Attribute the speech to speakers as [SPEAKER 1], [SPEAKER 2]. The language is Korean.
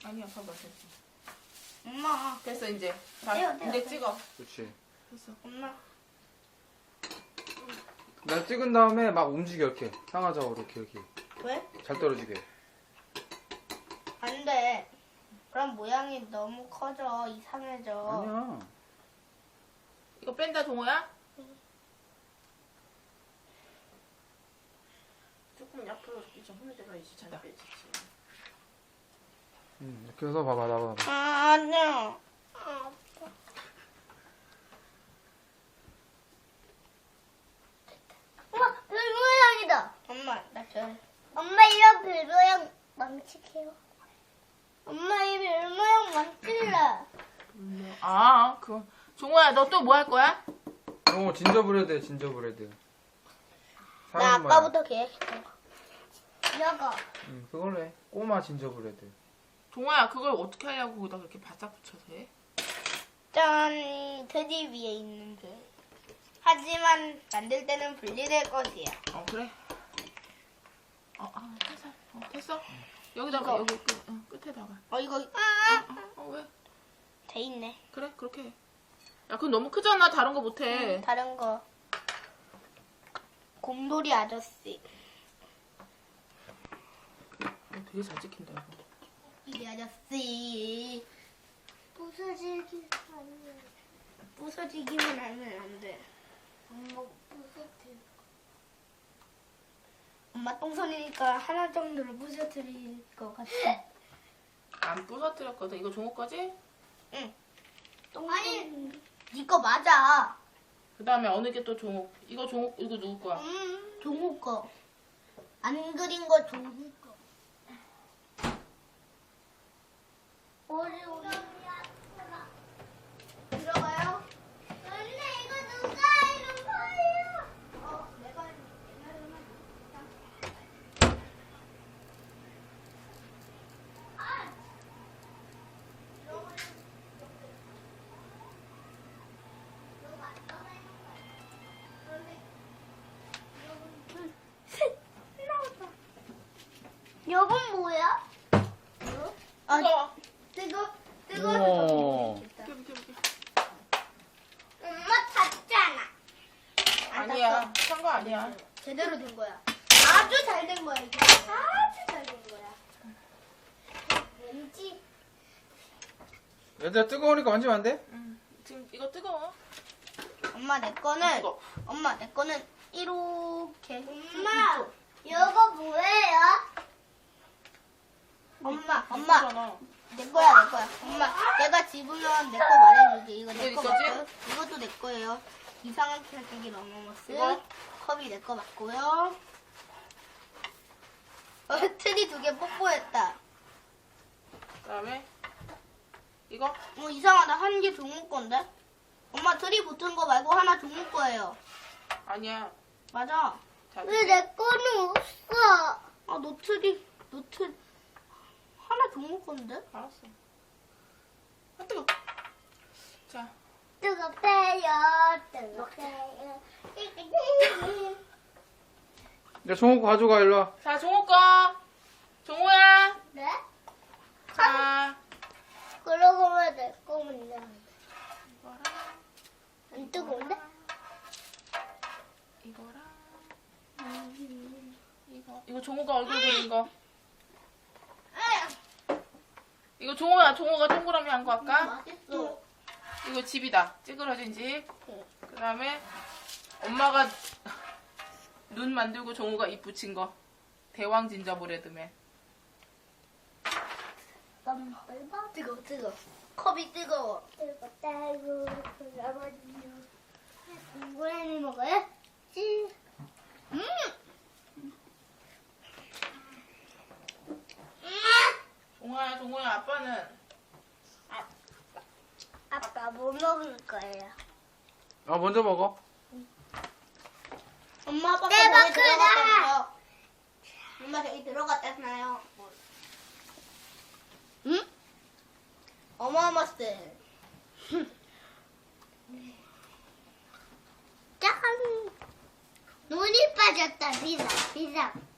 [SPEAKER 1] 아니야, 봐봐, 됐어.
[SPEAKER 2] 엄마.
[SPEAKER 1] 됐어, 이제. 자,
[SPEAKER 2] 떼요,
[SPEAKER 1] 이제
[SPEAKER 2] 떼요.
[SPEAKER 1] 찍어.
[SPEAKER 3] 그렇지.
[SPEAKER 1] 됐어.
[SPEAKER 2] 엄마.
[SPEAKER 3] 난 찍은 다음에 막 움직여 이렇게 상하좌우로 이렇게
[SPEAKER 2] 왜?
[SPEAKER 3] 잘 떨어지게.
[SPEAKER 2] 안 돼. 그럼 모양이 너무 커져. 이상해져.
[SPEAKER 3] 아니야.
[SPEAKER 1] 이거 뺀다, 종호야? 조금 옆으로 이제 흔들어야지. 잘 빼지.
[SPEAKER 3] 이렇게 해서 봐봐 나봐.
[SPEAKER 2] 아, 아니야.
[SPEAKER 4] 우와, 별 모양이다.
[SPEAKER 2] 엄마, 나 별.
[SPEAKER 4] 엄마 이런 별 모양 망칠게요. 엄마 이 별 모양 망칠래.
[SPEAKER 1] 아, 종호야, 너 또 뭐 할 거야?
[SPEAKER 3] 진저브레드 진저브레드.
[SPEAKER 2] 나
[SPEAKER 3] 사람 모양.
[SPEAKER 2] 아까부터 계획했던 거.
[SPEAKER 4] 이거.
[SPEAKER 3] 그걸로 해. 꼬마 진저브레드.
[SPEAKER 1] 종호야, 그걸 어떻게 하려고 거기다 그렇게 바싹 붙여서 해?
[SPEAKER 2] 짠, 트리 위에 있는데. 하지만 만들 때는 분리될 것이야.
[SPEAKER 1] 그래. 됐어. 됐어. 여기다가,
[SPEAKER 2] 이거.
[SPEAKER 1] 여기 끝에다가.
[SPEAKER 2] 이거
[SPEAKER 1] 왜?
[SPEAKER 2] 돼 있네.
[SPEAKER 1] 그래, 그렇게 해. 야, 그건 너무 크잖아. 다른 거 못해.
[SPEAKER 2] 다른 거. 곰돌이 아저씨.
[SPEAKER 1] 되게 잘 찍힌다, 이거.
[SPEAKER 2] 이 아저씨.
[SPEAKER 4] 부서지기 아니야.
[SPEAKER 2] 부서지기만 하면 안 돼.
[SPEAKER 4] 엄마 부서져.
[SPEAKER 2] 엄마 똥손이니까 하나 정도를 부서뜨릴 것 같아.
[SPEAKER 1] 안 부서뜨렸거든. 이거 종호 거지?
[SPEAKER 2] 응.
[SPEAKER 4] 아니.
[SPEAKER 2] 이거 맞아.
[SPEAKER 1] 그 다음에 어느 게 또 종호? 이거 누구 거야?
[SPEAKER 2] 종우 거. 안 그린 거 종우 거.
[SPEAKER 4] 오리.
[SPEAKER 2] 들어가요?
[SPEAKER 4] 언니 이거 누가 이런 거예요?
[SPEAKER 2] 내가
[SPEAKER 4] 여건 뭐야?
[SPEAKER 1] 뜨거워.
[SPEAKER 2] 뜨거.
[SPEAKER 3] 우와.
[SPEAKER 1] 비켜.
[SPEAKER 4] 엄마 탔잖아.
[SPEAKER 1] 아니야. 산 거 아니야.
[SPEAKER 2] 제대로 된 거야. 아주 잘 된 거야 이게. 아주 잘 된 거야.
[SPEAKER 4] 왠지
[SPEAKER 3] 얘들아 뜨거우니까 만지면 안 돼?
[SPEAKER 1] 지금 이거 뜨거워.
[SPEAKER 2] 엄마 내 거는
[SPEAKER 1] 뜨거워.
[SPEAKER 2] 이렇게.
[SPEAKER 4] 엄마 이거 뭐예요?
[SPEAKER 2] 엄마
[SPEAKER 1] 뜨거잖아.
[SPEAKER 2] 내 거야. 엄마 내가 집으면 내 거 말해줄게. 이거 내
[SPEAKER 1] 이거
[SPEAKER 2] 거
[SPEAKER 1] 있었지?
[SPEAKER 2] 맞고요. 이것도 내 거예요. 이상한 캐릭터기 너머머스.
[SPEAKER 1] 이거?
[SPEAKER 2] 컵이 내 거 맞고요. 트리 2개 뽀뽀했다.
[SPEAKER 1] 그 다음에 이거?
[SPEAKER 2] 이상하다. 한 개 종우 건데? 엄마 트리 붙은 거 말고 하나 종우 거예요.
[SPEAKER 1] 아니야.
[SPEAKER 2] 맞아.
[SPEAKER 1] 자,
[SPEAKER 4] 왜 내 거는 없어?
[SPEAKER 2] 너 트리 하나 종우 건데?
[SPEAKER 1] 알았어. 뜨거. 자,
[SPEAKER 4] 뜨겁대요. 뜨겁대요.
[SPEAKER 3] 야 종호 거 가져가 일로 와.
[SPEAKER 1] 자 종호 거. 종호야.
[SPEAKER 4] 네?
[SPEAKER 1] 자,
[SPEAKER 4] 그러고 왜 내 거면
[SPEAKER 1] 이거랑
[SPEAKER 4] 안 뜨거운데?
[SPEAKER 1] 이거랑 이거 종호가 얼굴 그린 거. 이거 종호가 동그라미 한 거 할까?
[SPEAKER 2] 맛있어.
[SPEAKER 1] 이거 집이다. 찌그러진 집. 그 다음에 엄마가 눈 만들고 종호가 입 붙인 거. 대왕 진저브레드맨.
[SPEAKER 2] 뜨거. 컵이 뜨거워.
[SPEAKER 4] 뜨겁다고 그러거든요. 동그라미 먹어요? 찌.
[SPEAKER 1] 종호야 아빠는
[SPEAKER 4] 아빠 뭐 먹을 거예요?
[SPEAKER 3] 먼저 먹어.
[SPEAKER 2] 엄마 아빠
[SPEAKER 4] 대박
[SPEAKER 2] 거기
[SPEAKER 4] 크다.
[SPEAKER 2] 들어갔다고요. 엄마 저기 들어갔다나요? 응? 어마어마스.
[SPEAKER 4] 짠! 눈이 빠졌다. 비상.